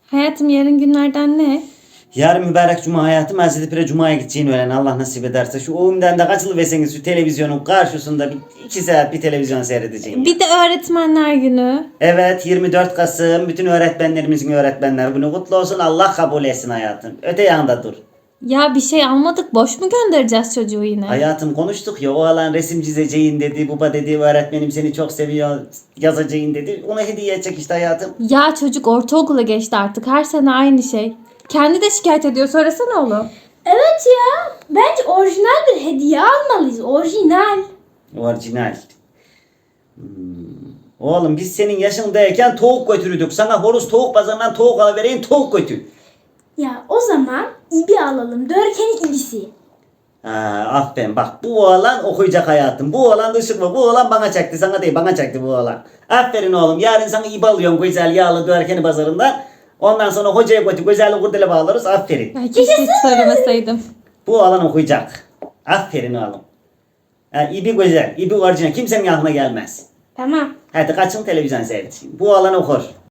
Hayatım yarın günlerden ne? Yarın mübarek cuma hayatım Hazreti Pire Cuma'ya gideceğini öğren Allah nasip ederse. Şu oyundan da kaçılıverseniz şu televizyonun karşısında 2 saat bir televizyon seyredeceğim. Bir de öğretmenler günü. Evet 24 Kasım bütün öğretmenlerimizin öğretmenler günü kutlu olsun. Allah kabul etsin hayatım. Öte yanda dur. Ya bir şey almadık, boş mu göndereceğiz çocuğu yine? Hayatım konuştuk ya o alan resim çizeceğin dedi. Baba dedi öğretmenim seni çok seviyor yazacağın dedi. Ona hediye edecek işte hayatım. Ya çocuk ortaokula geçti artık, her sene aynı şey. Kendi de şikayet ediyor, söylesene oğlum. Evet ya. Bence orijinal bir hediye almalıyız. Orijinal. Orijinal. Oğlum biz senin yaşındayken tavuk götürürdük. Sana horoz tavuk pazarından tavuk alıvereyim tavuk götür. Ya o zaman ibi alalım. Dörkenin ibisi. Aferin bak bu oğlan okuyacak hayatım. Bu oğlan ışık mı? Bu oğlan bana çaktı. Sana değil bana çaktı bu oğlan. Aferin oğlum. Yarın sana ip alıyorum güzel yağlı dörkeni pazarından. Ondan sonra hocaya götür güzel kurdele bağlarız. Aferin. Ay, keşke hiç söylemeseydim. Bu oğlan okuyacak. Aferin oğlum. İbi güzel. İbi orijinal. Kimsenin aklına gelmez. Tamam. Hadi kaçın televizyon seyredin. Bu oğlan okur.